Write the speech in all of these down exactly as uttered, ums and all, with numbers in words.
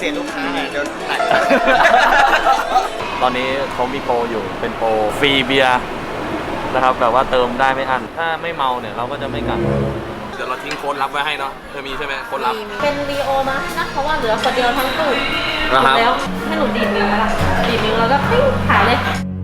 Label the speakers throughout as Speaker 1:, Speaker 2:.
Speaker 1: ษียณลูกค้าไงเดี๋ยวตัด
Speaker 2: ตอนนี้เขามีโปรอยู่เป็นโปรฟรีเบียร์นะครับแบบว่าเติมได้ไม่อั้นถ้าไม่เมาเนี่ยเราก็จะไม่กลับเดี๋ยวเราทิ้งโค้ดลับไว้ให้เนาะเธอมีใช่ไหมโค้ดลับ
Speaker 3: เป็นรีโอมานะเพราะว่าเหลือคนเดียวทั้งตู้หมดแล้วให้หนูดีดนิ้วละดีดนิ้วแล้วก็ปิ้งขายเลย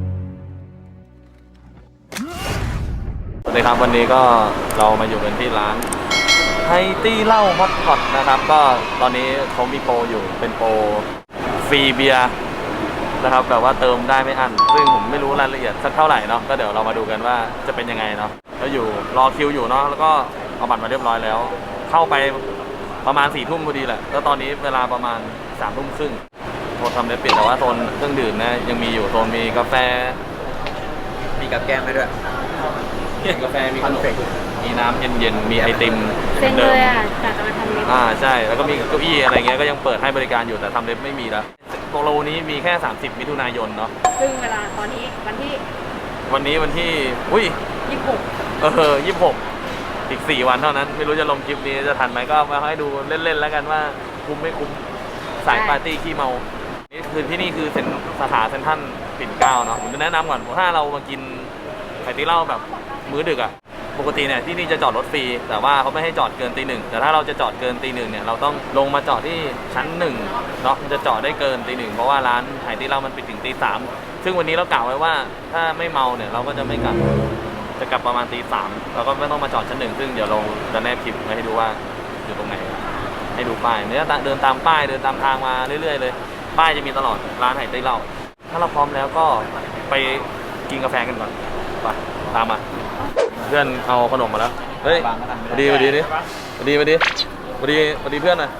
Speaker 2: สวัสดีครับวันนี้ก็เรามาอยู่กันที่ร้านไฮตี้เหล้าฮอตพอตนะครับก็ตอนนี้เขามีโปรอยู่เป็นโปรฟรีเบียร์นะครับแบบว่าเติมได้ไม่อั้นซึ่งผมไม่รู้รายละเอียดสักเท่าไหร่เนาะก็เดี๋ยวเรามาดูกันว่าจะเป็นยังไงเนาะแล้วอยู่รอคิวอยู่เนาะแล้วก็เอาบัตรมาเรียบร้อยแล้วเข้าไปประมาณสี่ทุ่มพอดีแหละแล้วตอนนี้เวลาประมาณสามทุ่มครึ่งโซนทำเล็บปิดแต่ว่าโซนเครื่องดื่มนะยังมีอยู่โซนมีกาแฟ
Speaker 1: มีกับแก้มไปด้วย
Speaker 2: มีกาแฟมีขนมมีน้ำเย็นๆมีไอติม
Speaker 3: เซ็งเลยอ่ะจากจะมาทำเล็บ
Speaker 2: อ่าใช่แล้วก็มีเก้าอี้อะไรเงี้ยก็ยังเปิดให้บริการอยู่แต่ทำเล็บไม่มีแล้วโปรนี้มีแค่สามสิบมิถุนายนเนาะ
Speaker 3: ซึ่งเวลาตอนนี้วันที่
Speaker 2: วันนี้วันที่อุ้ย
Speaker 3: ยี่สิบหก
Speaker 2: เออยี่สิบหกอีกสี่วันเท่านั้นไม่รู้จะลงคลิปนี้จะทันไหมก็มาให้ดูเล่นๆแล้วกันว่าคุ้มไม่คุ้มสายปาร์ตี้ขี้เมานี่คือที่นี่คือเซ็นสาขาเซ็นทรัลปิ่นเกล้าเนาะผมจะแนะนำก่อนถ้าเรามากินไข่ตีเหล้าแบบมื้อดึกอะปกติเนี่ยที่นี่จะจอดรถฟรีแต่ว่าเขาไม่ให้จอดเกินตีหนึ่งแต่ถ้าเราจะจอดเกินตีหนึ่งเนี่ยเราต้องลงมาจอดที่ชั้นหนึ่งเนาะมันจะจอดได้เกินตีหนึ่งเพราะว่าร้านไข่ตีเหล้ามันปิดถึงตีสามซึ่งวันนี้เรากล่าวไว้ว่าถ้าไม่เมาเนี่ยเราก็จะไม่กลับจะกลับประมาณตีสามเราก็ไม่ต้องมาจอดชั้นหนึ่งซึ่งเดี๋ยวเราจะแนบคลิปไว้ให้ดูว่าอยู่ตรงไหนให้ดูป้ายเนี่ยเดินตามป้ายเดินตามทางมาเรื่อยๆเลยป้ายจะมีตลอดร้านไข่ตีเหล้าถ้าเราพร้อมแล้วก็ไปกินกาแฟกันก่อนไปตามมาเพื่อนเอาขนมมาแล้วเฮ้ยมาดีมาดีดิมาดีมาดีมาดีมาดีเพื่อนน่ะ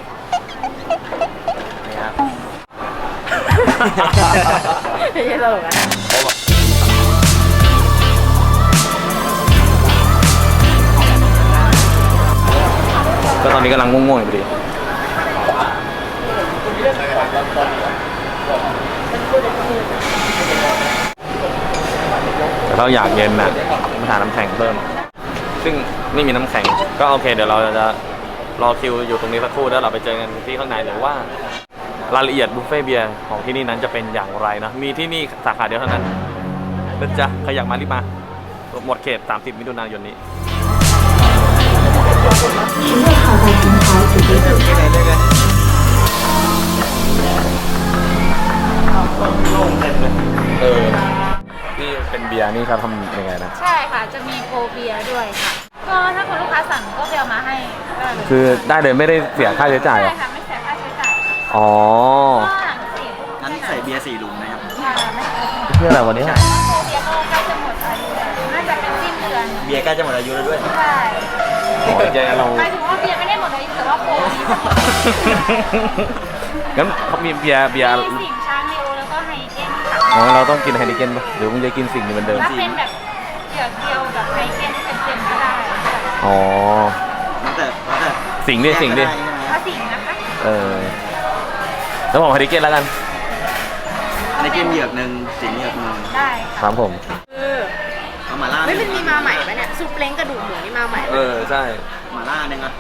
Speaker 2: นี่ครับ
Speaker 3: ไม่ใช่ตลกอ่ะ
Speaker 2: ก็ตอนนี้กำลังง่วงๆอยู่พอดีแต่เราอยากเย็นน่ะมาหาน้ำแข็งเพิ่มซึ่งไม่มีน้ำแข็งก็โอเคเดี๋ยวเราจะรอคิวอยู่ตรงนี้สักครู่แล้วเราไปเจอกันที่ข้างในหรือว่ารายละเอียดบุฟเฟ่เบียร์ของที่นี่นั้นจะเป็นอย่างไรนะมีที่นี่สาขาเดียวเท่านั้นนะจ๊ะใครอยากมารีบมาหมดเขตสามสิบมิถุนายนนี้เออที่เป็นเบียร์นี่เขาทำยังไงนะ
Speaker 3: ใช่ค่ะจะมีโปรเบียร์ด้วยค่ะก็ถ้าคุณลูกค้าสั่งก็ไปเอามาให้ได้เลย
Speaker 2: คือได้เลยไม่ได้เสียค่าใช้จ่าย
Speaker 3: ใช่ค่ะไม่เสียค่าใช้จ่าย
Speaker 2: อ๋อ
Speaker 1: งั้นใส่เบียร์สี่ลุงนะครับ
Speaker 2: เพื่ออะไรวันนี้
Speaker 3: โปรเบียร์ก็ใกล้จะหมดอายุแล้วน่าจะเป็นสิ้นเดือน
Speaker 1: เบียร์ใกล้จะหมดอายุแล้วด้วย
Speaker 3: ใช่
Speaker 2: โอ้ยใจเรา
Speaker 3: หมายถึงว่าเบียร์ไม่ได้หมดอายุแต่ว่าโปรนี้
Speaker 2: งั้นเขามีเบียร์เบียร์
Speaker 3: สิงช้างลีโอแล้วก็ไฮเกนค่ะ
Speaker 2: อ๋อเราต้องกินไฮนิเกนป่ะหรือมึงจะกินสิ่งนี้เหมือนเดิม
Speaker 3: ถ้าเป็นแบบเดียวเดียวแบบไฮเกนเต็มๆก็ได้
Speaker 2: อ๋อ
Speaker 1: แต่แต่
Speaker 2: สิ่งดิสิ่งดิ
Speaker 3: ถ้าสิ่งนะคะ
Speaker 2: เออแล้วบอกไฮนิเกนแล้วกัน
Speaker 1: ไฮนิเกนเหยือกหนึ่งสิ่งเหยือกหนึ่ง
Speaker 3: ได้
Speaker 2: ครับผม
Speaker 3: คือ
Speaker 1: เอามาล่า
Speaker 3: ไม่เป็นมีมาใหม่ไหมเนี่ยซุปเล้งกระดูกหมูนี่มาใหม่
Speaker 2: เออใช่
Speaker 1: มาล่าหนึ่งอ่ะ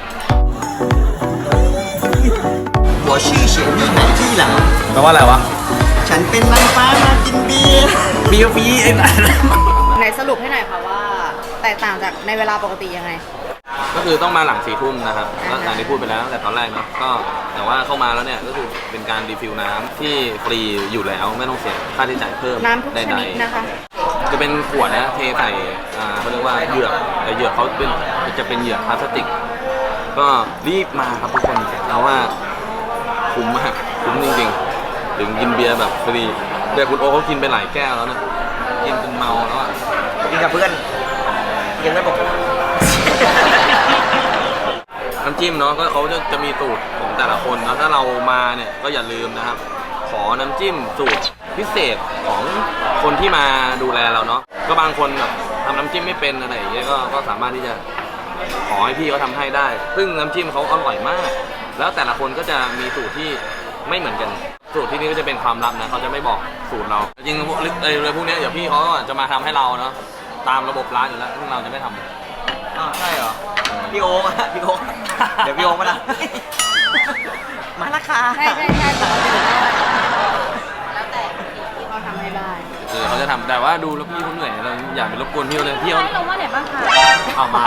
Speaker 1: 我是雪莉奶ที่หลัง
Speaker 2: แปลว่าอะไรวะ
Speaker 1: ฉันเป็นนางฟ้ามากินเบียร์
Speaker 2: เบียร์ฟรีไอ้นั่น
Speaker 3: ไหนสรุปให้หน่อยค่ะว่าแตกต่างจากในเวลาปกติยังไง
Speaker 2: ก็คือต้องมาหลังสี่ทุ่มนะครับก็อย่างที่พูดไปแล้วตั้งแต่ตอนแรกเนาะก็แต่ว่าเข้ามาแล้วเนี่ยก็คือเป็นการรีฟิลน้ำที่ฟรีอยู่แล้วไม่ต้องเสียค่าใช้จ่ายเพิ่ม
Speaker 3: น้ำทุกชนิดนะคะ
Speaker 2: จะเป็นขวดนะเทใส่อ่าเขาเรียกว่าเหยือกแต่เหยือกเขาเป็นจะเป็นเหยือกพลาสติกก็รีบมาครับทุกคนเราว่าคุ้มมากคุ้มจริงๆถึงกินเบียร์แบบฟรีเดี๋ยวคุณโอเขากินไปหลายแก้วแล้วนะกินจนเมาแล้วอ่ะ
Speaker 1: กินกับเพื่อนกินไม่บอก
Speaker 2: น้ำจิ้มเนาะก็เขาจะจะมีสูตรของแต่ละคนนะถ้าเรามาเนี่ยก็อย่าลืมนะครับขอน้ำจิ้มสูตรพิเศษของคนที่มาดูแลเราเนาะก็บางคนแบบทำน้ำจิ้มไม่เป็นอะไรอย่างเงี้ยก็ก็สามารถที่จะขอให้พี่เขาทำให้ได้ซึ่งน้ำจิ้มเขาอร่อยมากแล้วแต่ละคนก็จะมีสูตรที่ไม่เหมือนกันสูตรที่นี่ก็จะเป็นความลับนะเขาจะไม่บอกสูตรเราจริงๆเลยพวกนี้เดี๋ยวพี่เขาจะมาทำให้เราเนาะตามระบบร้านอยู่แล้วซึ่งเราจะไม่ทำ
Speaker 1: อ้าวใช่เหรอพี่โอ๊คพี่โอ๊คเดี๋ยวพี่โอ๊คมาละมาราคา
Speaker 3: ใช่ใช่ใช่ปกติแล้วแต่ที่เขาทำให้ได้
Speaker 2: เออเขาจะทำแต่ว่าดูแล้วพี่เขาเหนื่อยเราอย่าไปรบกวนพี่เขาเลยพี่เขา
Speaker 3: ให้ลงว่าไหนบ้างคะ
Speaker 2: เอามา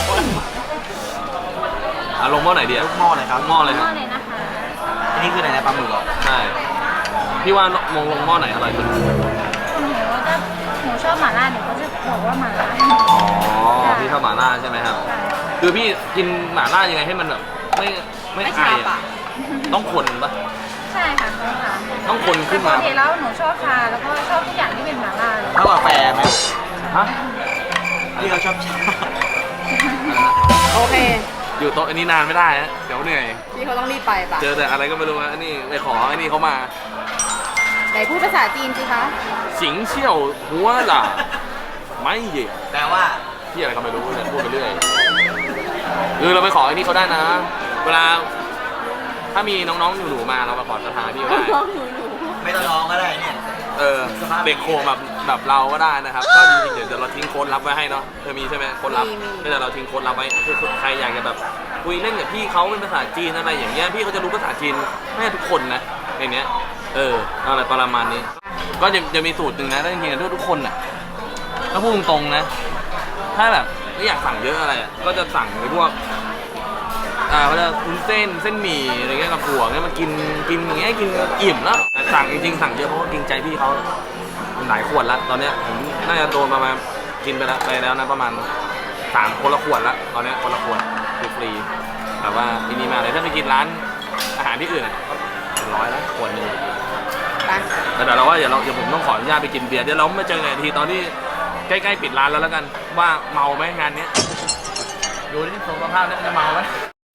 Speaker 2: อ่ะลงหม้อไหนดีอะ
Speaker 1: หม้อเลยครับ
Speaker 2: หม้อเลยครับ
Speaker 3: เลยนะคะ
Speaker 1: อันนี้คืออะไรนะปลาหมึกเหรอ
Speaker 2: ใช่พี่ว่ามองลงหม้อไหนอร่อยสุด
Speaker 3: หนูก็จะหนูชอบหม่าล่าหนูก็จะบอกว่าหม่าล่า
Speaker 2: อ๋อพี่ชอบหม่าล่าใช่ไหมครับคือพี่กินหม่าล่ายังไงให้มันแบบไม่ไม่
Speaker 3: ไม่
Speaker 2: ไอ
Speaker 3: ชา
Speaker 2: อะ
Speaker 3: ปะ
Speaker 2: ต้องคนปะ
Speaker 3: ใช่ค่ะใช่ค่ะ
Speaker 2: ต้องคนขึ้นมา
Speaker 3: ปกติแล้วหนูชอบชาแล้วก็ชอบทุกอย่างที่เป็นหม่าล่าเลย
Speaker 1: เท่ากับแฟไหม
Speaker 2: ฮะ
Speaker 1: ที่เราชอบชา
Speaker 3: โอเค
Speaker 2: อยู่โต๊ะอันนี้นานไม่ได้ฮะเดี๋ยวเหนื่อย
Speaker 3: พี่เขาต้องรีบไปปะ
Speaker 2: เจอแต่อะไรก็ไม่รู้ฮะอันนี้ไปขออันนี้เขามา
Speaker 3: ไหนพูดภาษาจีนสิคะ
Speaker 2: สิงเชี่ยวหัวล่ะไม่เหย่
Speaker 1: แปลว่า
Speaker 2: ที่อะไรก็ไม่รู้เนี่ยพูดไปเรื่อยเออเราไปขออันนี้เขาได้นะ เวลาถ้ามีน้องๆหนูๆมาเรามาขอสถานที่ก็ได้
Speaker 3: น้องหนูหนู
Speaker 1: ไม่ต้องร้องก็ได้เนี่ย
Speaker 2: เออเด็กโคแบบแบบเราก็ได้นะครับ ก็จริงๆเดี๋ยวเราทิ้งโค้ดลับไว้ให้เนาะเธอมีใช่ไหมโค้ดลับก็เดี๋ยวเราทิ้งโค้ดลับไว้คือใครอยากจะแบบคุยเล่นกับพี่เขาเป็นภาษาจีนอะไรอย่างเงี้ยพี่เขาจะรู้ภาษาจีนไม่ทุกคนนะในเนี้ยเอออะไรประมาณนี้ ก็จะจะมีสูตรหนึ่งนะถ้าจริงๆทุกคนน่ะถ้าพูดตรงๆนะ ถ้าแบบไม่อยากสั่งเยอะอะไรอะก็จะสั่งไอ้พวกอ่าเขาจะวุ้นเส้นเส้นหมี่อะไรเงี้ยกับถั่วเงี้ยมากินกินอย่างเงี้ยกินอิ่มแล้วแต่สั่งจริงๆสั่งเยอะเพราะว่าเกรงใจพี่เขาหลายขวดละตอนเนี้ยผมน่าจะโดนประมาณกินไปแล้วไปแล้วนะประมาณสามคนละขวดละตอนเนี้ยคนละขวดฟรีๆแต่ว่าที่นี่มาเลยถ้าไปกินร้านอาหารที่อื่นอะก็เป็นร้อยละขวดหนึ่ง
Speaker 3: ไป
Speaker 2: แต่เดี๋ยวเราว่าเดี๋ยวเราเดี๋ยวผมต้องขออนุญาตไปกินเบียร์เดี๋ยวเรามาเจอกันอีกทีตอนที่ใกล้ๆปิดร้านแล้วแล้วกันว่าเมาไหมงานเนี้ยดูที่สภาพเนี่ยจะเมาไหม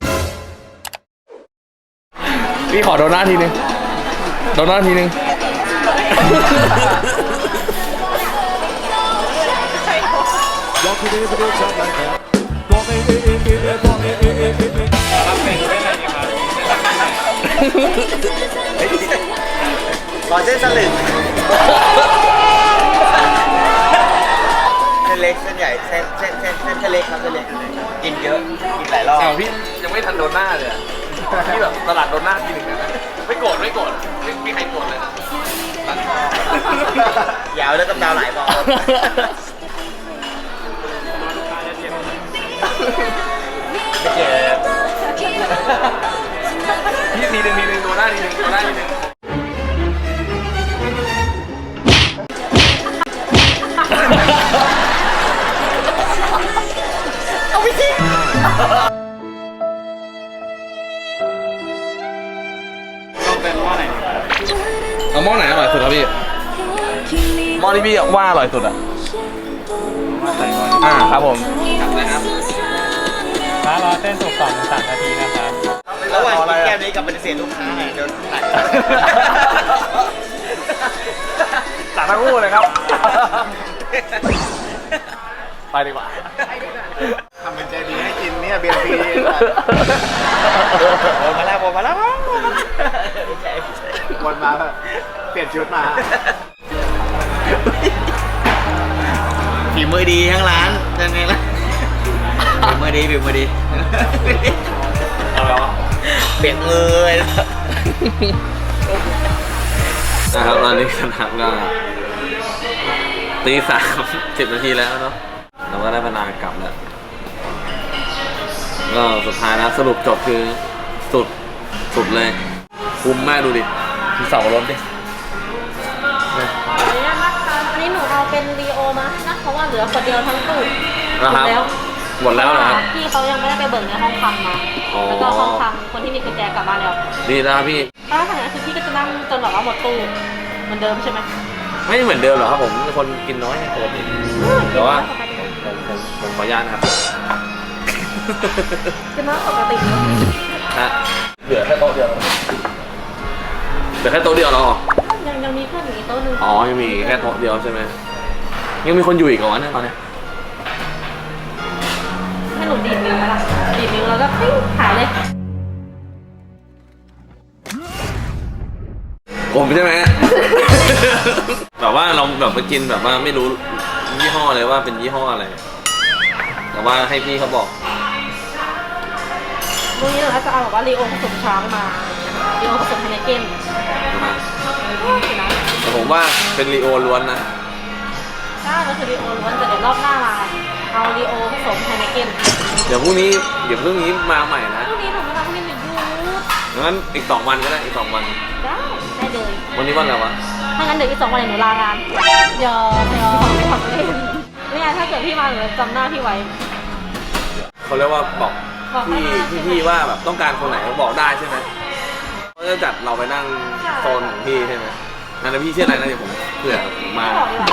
Speaker 2: พี่ขอโดนหน้าทีนึงโดนหน้าทีนึงรับเป็นไม่ได้ยังไง
Speaker 1: ขอเส้นสลึงเส้นเล็กเส้นใหญ่เส้นเส้นเส้นเส้นเส้นเล็กครับเส้นเล็กกินเยอะกินหลายรอบ
Speaker 2: เอาพี่ยังไม่ทันโดนหน้าเลยอะพี่แบบตลาดโดนหน้าทีหนึ่งนะไม่โกรธไม่โกรธไม่มีใครโกรธเลย
Speaker 1: ยาวแล้วกำดาวหลายบอลไม่เจ็บ
Speaker 2: พี่ทีหนึ่งทีหนึ่งโดนหน้าทีหนึ่งโดนหน้าทีหนึ่ง
Speaker 3: เอาไปสิ
Speaker 2: ต้องเป็นหม้อไหนเอาหม้อไหนอร่อยสุดครับพี่หม้อที่พี่ว่าอร่อยสุดอ่ะอ่าครับผมครับเลยครับ
Speaker 4: ร้านรอเส้นสุกสองถึงสามนาทีนะครับ
Speaker 1: ระหว่างกินแก้มนี้กับปฏิเสธลูกค้าเนี่ยเดี๋ยวตัด
Speaker 2: ตัดทั้งคู่เลยครับไปดีกว่า
Speaker 4: ทำเป็นใจดีให้กินเนี่ยเบียร์ฟรี
Speaker 1: โอ้มาแล้วมาแล้ว
Speaker 4: วนมาแบบเปลี่ยนชุดมา
Speaker 1: ฝีมือดีทั้งร้านยังไงล่ะฝีมือดีฝีมือดี
Speaker 2: เอาแล้ว
Speaker 1: เปลี่ยนมือเลย
Speaker 2: นะครับตอนนี้สนามก็ตีสามสิบนาทีแล้วเนาะเราก็ได้เวลากลับแล้วก็สุดท้ายนะสรุปจบคือสุดสุดเลยคุ้มมากดูดิมีเสารถดิ
Speaker 3: ขออนุญาตนะคะอันนี้หนูเอาเป็นรีโอมานะเพราะว่าเหลือคนเดียวทั้งตู้
Speaker 2: นะครับ
Speaker 3: แล้ว
Speaker 2: หมดแล้วนะครับ
Speaker 3: พี่เขายังไม่ได้ไปเบิกในห้องคำมา
Speaker 2: อ๋อ
Speaker 3: แล้วก็ห้องคำคนที่มีกุญแจกลับบ้านแล้ว
Speaker 2: ดีนะครับพี่
Speaker 3: ถ้าทางนั้นคือพี่ก็จะนั่งจนแบบว่าหมดตู้เหมือนเดิมใช่ไหม
Speaker 2: ไม่เหมือนเดิมหรอกครับผมเป็นคนกินน้อยปกติแต่ว่าผมผมผมขออนุญาตนะครับ
Speaker 3: คือน้อยปกติเนอะ
Speaker 2: นะเหลือแค่โต๊ะเดียวเหลือแค่โต๊ะเดียวเหรอ
Speaker 3: ยังยังมีเพื่อนอีกโต๊ะหนึง
Speaker 2: อ๋อยังมีแค่โต๊ะเดียวใช่ไหมยังมีคนอยู่อีกเหรอวะเนี่ยตอนเนี้ย
Speaker 3: ให้หนูดีดนิ้วไหมล่ะดีดนิ้วแล้วก็ปิ้งหายเลย
Speaker 2: ผมใช่ไหม แบบว่าเราแบบไปกินแบบว่าไม่รู้ยี่ห้อเลยว่าเป็นยี่ห้ออะไร แต่ว่าให้พี่เขาบอก
Speaker 3: พรุ่งนี้เราจะเอาแบบว่ารีโอผสมช้างมารีโอผสมไฮเนเก้นนะ
Speaker 2: แต่ผมว่าเป็นรีโอล้วนนะ
Speaker 3: ใช่มันคือรีโอล้วนแต่เดี๋ยวรอบหน้ามาเอารีโอผสมไฮเนเก้น
Speaker 2: เดี๋ยวพรุ่งนี้เดี๋ยวพรุ่งนี้มาใหม่นะ
Speaker 3: พรุ่งนี้ผมไม่ทำพรุ่งนี้หนึ่งยู
Speaker 2: งั้นอีกสองวันก็ได้อีกสองวัน
Speaker 3: ได้ได้เลย
Speaker 2: วันนี้วันอะไรวะ
Speaker 3: ถ้างั้นเดี๋ยวอีกสองวันหนูลางานยอมยอมทำเล่นนี่ไงถ้าเกิดพี่มาหนูจะจำหน้าพี่ไว้
Speaker 2: เขาเรียกว่าบอก
Speaker 3: บอกให้
Speaker 2: พี่
Speaker 3: มา
Speaker 2: พี่พี่ว่าแบบต้องการคนไหนบอกได้ใช่ไหมเขาจะจัดเราไปนั่งโซนของพี่ใช่ไหมนั่นนะพี่ชื่ออะไรนะเดี๋ยวผมเผื่อผมมา
Speaker 3: ไม่บอกดีกว่า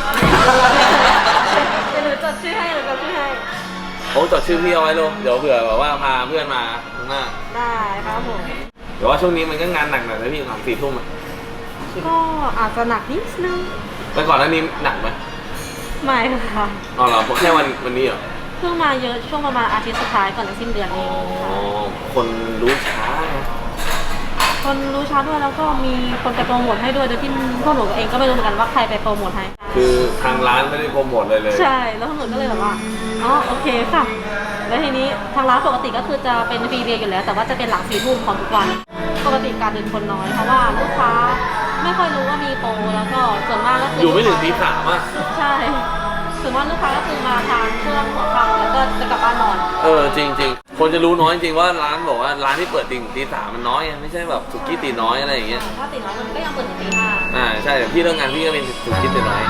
Speaker 3: เดี๋ยวหนูจดชื่อให้หนูจดชื่อให้
Speaker 2: โอ้จดชื่อพี่เอาไว้ลูกเดี๋ยวเผื่อแบบว่าพาเพื่อนมาข้างหน้า
Speaker 3: ได้ครับผม
Speaker 2: เดี๋ยวว่าช่วงนี้มันก็งานหนักหน่อยนะพี่สามสี่ทุ่มอะ
Speaker 3: ก็อาจจะหนักนิดนึง
Speaker 2: แล้วก่อนหน้านี้หนักไหม
Speaker 3: ไม่ค่ะ
Speaker 2: อ๋อเหรอแค่วันวันนี้เหรอ
Speaker 3: เพิ่งมาเยอะช่วงประมาณอาทิตย์สุดท้ายก่อนจะสิ้นเดือนเอง
Speaker 2: อ๋อคนรู้ช้าไง
Speaker 3: คนรู้ช้าด้วยแล้วก็มีคนไปโปรโมทให้ด้วยโดยที่พวกหนูเองก็ไม่รู้เหมือนกันว่าใครไปโปรโมทให้
Speaker 2: คือทางร้านไม่ได้โปรโมทเลยเลย
Speaker 3: ใช่แล้วพวกหนูก็เลยแบบว่าอ๋อโอเคค่ะแล้วทีนี้ทางร้านปกติก็คือจะเป็นฟรีเบียร์อยู่แล้ว แต่ว่าจะเป็นหลังสี่ทุ่มของทุกวันปกติการเดินคนน้อยเพราะว่าลูกค้าไม่ค่อยรู้ว่ามีโปรแล้วก็ส่วนมากก็คือ
Speaker 2: อยู่ไม่ถึงตีสามอ่ะ
Speaker 3: ใช่ส่วนมากลูกค้าก็คือมาทานช่วงหัวค่ำแล้วก็จะกลับบ้านนอน
Speaker 2: เออจริงจริงๆคนจะรู้น้อยจริงว่าร้านบอกว่าร้านที่เปิดตีตีสามมันน้อยไงไม่ใช่แบบสุกี้ตีน้อยอะไรอย่างเงี้ย
Speaker 3: ถ้าติดน้อยมันก็ยังเปิดถึงตีห้า
Speaker 2: อ่าใช่แต่พี่เลิกงานพี่ก็เป็นสุกี้ตีน้อย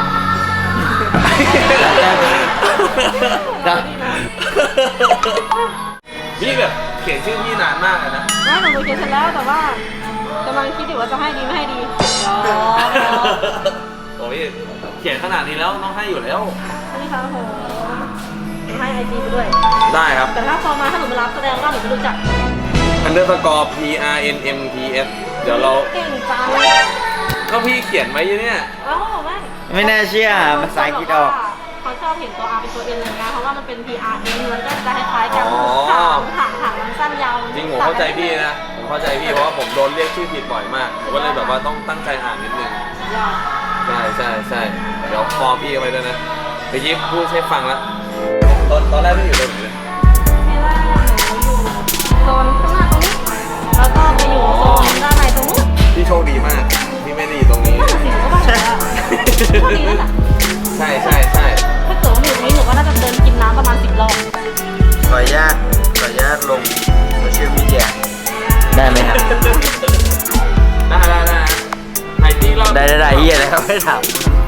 Speaker 2: พี่แบบเขียนชื่อพี่นานมากเลยนะ
Speaker 3: ไม่หนูเขียนเสร็จแล้วแต่ว่ากำลังคิดอยู่ว่าจะให้ดีไม่ให้ดียอม
Speaker 2: โอ้ยเขียนขนาดนี้แล้วต้องให้อยู่แล้ว
Speaker 3: นี่ค่ะผมหนูให้ไอจีไปด้วย
Speaker 2: ได้ครับ
Speaker 3: แต่ถ้าพอมาถ้าหนูมารับแสดงว่าหนูไม่รู้จัก
Speaker 2: underscore p r n m p s เดี๋ยวเรา
Speaker 3: เก่งจัง
Speaker 2: ก็พี่เขียนไว้อยู่เนี่ย
Speaker 3: แล้วเขาบอกว่า
Speaker 1: ไม่น่าเชื่อภาษาอังกฤษออก
Speaker 3: เขาชอบเห็นตัว R เป็นตัว N เลยนะเพราะว่ามันเป็น P R N มันก็จะคล้ายๆกัน
Speaker 2: อ๋อ
Speaker 3: ถางถางถางมันสั้นยาว
Speaker 2: จริงผมเข้าใจพี่นะ ผมเข้าใจพี่เพราะว่าผมโดนเรียกชื่อผิดบ่อยมากผมก็เลยแบบว่าต้องตั้งใจอ่านนิดนึง
Speaker 3: ยอด
Speaker 2: ใช่ใช่ใช่เดี๋ยวฟอร์พี่เอาไว้ด้วยนะเมื่อกี้พูดให้ฟังแล้ว ตอนตอนแรกพี่อยู่ตรงไหนเลย
Speaker 3: ที่แรกหนูอยู่โซนข้างหน้าตรงนี้ แล้วก็ไปอยู่โซนด้านในตรงนู้น
Speaker 2: พี่โชคดีมากที่ไม่ได้อยู่ตรงนี้
Speaker 3: น่าจะสิหนูก็ว่าแล้วโชคดีนั่นแหละ
Speaker 2: ใช่ใช่ใช่
Speaker 3: ถ้าเกิดว่าอยู่ตรงนี้หนูก็น่าจะเดินกินน้ำประมาณสิบรอบ
Speaker 1: ขออนุญาตขออนุญาตลงโซเชียลมีเดียได้ไหมครับ
Speaker 2: ได้ได้ได้ไทยที่เรา
Speaker 1: ได้ได้ได้เฮียอะไรครับไม่ถาม